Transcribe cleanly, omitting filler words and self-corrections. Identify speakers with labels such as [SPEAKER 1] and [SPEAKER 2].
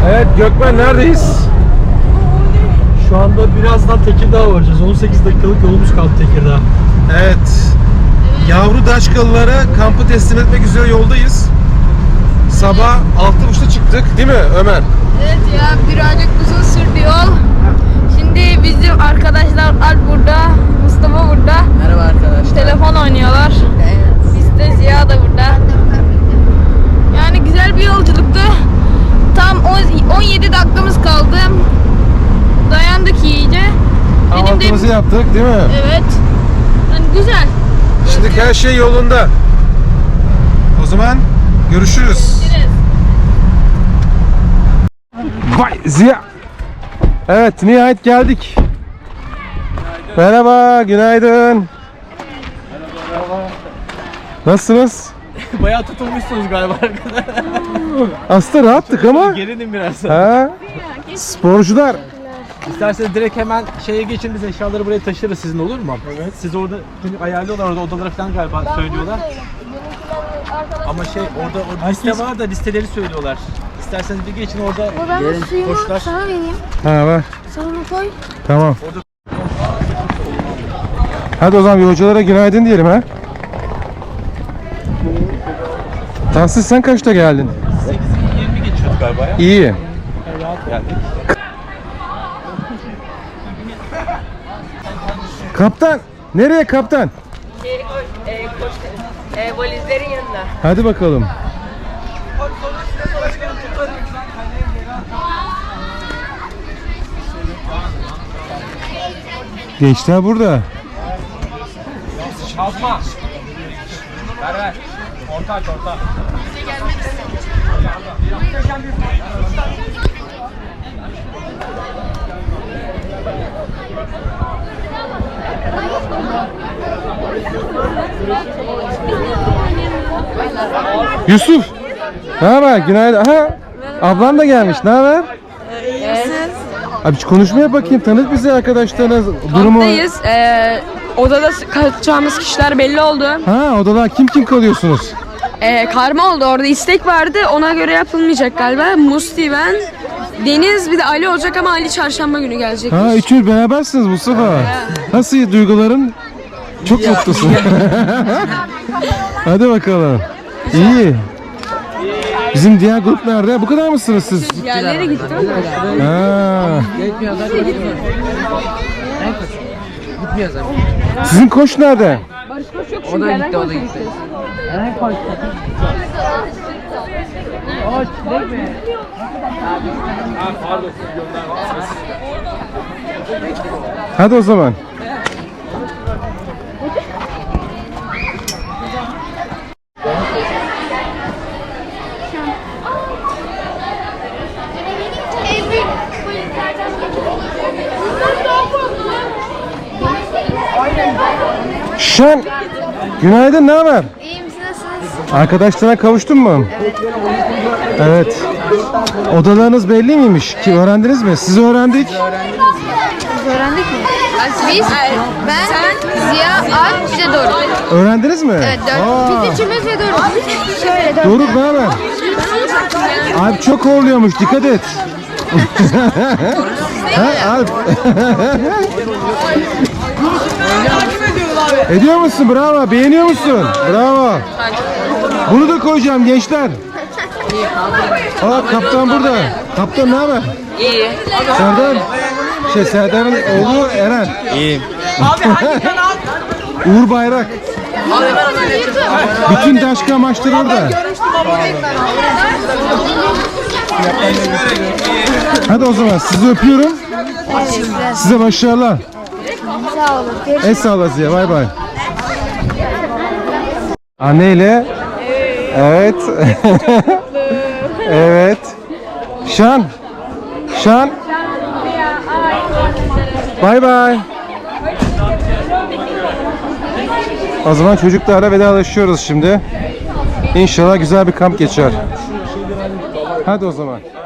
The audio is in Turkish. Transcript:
[SPEAKER 1] Evet Gökmen, neredeyiz?
[SPEAKER 2] Şu anda birazdan Tekirdağ'a varacağız. 18 dakikalık yolumuz kaldı Tekirdağ.
[SPEAKER 1] Evet. Yavru Daşkalılara kampı teslim etmek üzere yoldayız. Sabah 6.30'da çıktık değil mi Ömer?
[SPEAKER 3] Evet ya, birazcık uzun sürdü yol. Şimdi bizim arkadaşlar Alp burada, Mustafa burada.
[SPEAKER 4] Merhaba arkadaşlar.
[SPEAKER 3] Telefon oynuyorlar. Biz de Ziya da burada. Yani güzel bir yolculuktu. Tam 17 dakikamız kaldı. Dayandık iyice.
[SPEAKER 1] Kahvaltımızı yaptık değil mi?
[SPEAKER 3] Evet. Yani güzel.
[SPEAKER 1] Şimdi her şey yolunda. O zaman görüşürüz. Vay Ziya. Evet, nihayet geldik. Merhaba, günaydın. Nasılsınız?
[SPEAKER 4] Bayağı tutulmuşsunuz galiba arkadaşlar.
[SPEAKER 1] Aslında rahattık ama.
[SPEAKER 4] Gerilim biraz.
[SPEAKER 1] Ha? Sporcular.
[SPEAKER 4] İsterseniz direkt hemen şeye geçin, biz eşyaları buraya taşırız, sizin olur mu? Evet. Siz orada çünkü ayarlıyorlar, orada odalara falan galiba söylüyorlar. Ama orada liste var da listeleri söylüyorlar. İsterseniz bir geçin orada.
[SPEAKER 3] Ben suyumu
[SPEAKER 4] koşular.
[SPEAKER 3] sana vereyim.
[SPEAKER 1] Ha var.
[SPEAKER 3] Salona koy.
[SPEAKER 1] Tamam. Hadi o zaman yolculara günaydın diyelim ha. Tahsis, sen kaçta geldin?
[SPEAKER 4] 8:20 geçiyorduk galiba ya.
[SPEAKER 1] İyi.
[SPEAKER 4] Rahat geldik.
[SPEAKER 1] Kaptan, nereye kaptan?
[SPEAKER 3] Valizlerin yanına.
[SPEAKER 1] Hadi bakalım. Gençler burada.
[SPEAKER 4] Kalkma. Ver. Orta.
[SPEAKER 1] Yusuf. Ne haber? Günaydın. Aha. Ablan da gelmiş. Ne haber? Abi hiç konuşmaya bakayım. Tanıt bizi arkadaşlarına. Durumu.
[SPEAKER 3] Kamptayız. Odada kalacağımız kişiler belli oldu.
[SPEAKER 1] Ha, odalar kim kalıyorsunuz?
[SPEAKER 3] Karma oldu, orada istek vardı, ona göre yapılmayacak galiba. Musti, ben, Deniz, bir de Ali olacak ama Ali çarşamba günü gelecek.
[SPEAKER 1] Ha, üçünüz berabersiniz Mustafa. Nasıl duyguların? Çok mutlusun. Hadi bakalım. İyi. Bizim diğer grup nerede? Bu kadar mısınız siz?
[SPEAKER 3] Yerlere gittim.
[SPEAKER 1] Ha.
[SPEAKER 4] Gitmiyor zaten.
[SPEAKER 1] Sizin koç nerede?
[SPEAKER 4] O da gitti. Eren koş. Değil mi?
[SPEAKER 1] Hadi o zaman. Şen, günaydın, ne haber?
[SPEAKER 3] İyiyim, siz nasılsınız?
[SPEAKER 1] Arkadaşlarına kavuştun mu? Evet. Odalarınız belli miymiş? Ki öğrendiniz mi? Siz öğrendik.
[SPEAKER 3] Öğrendik mi? Biz, ben, Ziya, Alp, bir de Doruk.
[SPEAKER 1] Öğrendiniz mi?
[SPEAKER 3] Evet,
[SPEAKER 1] Aa,
[SPEAKER 3] biz üçümüz ve Doruk. Şöyle dört.
[SPEAKER 1] Doruk, ne haber? Alp çok horluyormuş, dikkat et. Ha, Alp. Ediyor musun? Bravo. Beğeniyor musun? Bravo. Bunu da koyacağım gençler. Aa, kaptan burada. Kaptan ne haber?
[SPEAKER 3] İyi.
[SPEAKER 1] Serdar'ın oğlu Eren.
[SPEAKER 4] İyiyim.
[SPEAKER 1] Uğur Bayrak. Bütün Daşka maçları orada. Hadi o zaman sizi öpüyorum. Size başarılar.
[SPEAKER 3] Sağ olun.
[SPEAKER 1] Sağ Ziya, bay bay. Anneyle. Evet. Evet. Şan. Bay bay. O zaman çocuklarla vedalaşıyoruz şimdi. İnşallah güzel bir kamp geçer. Hadi o zaman.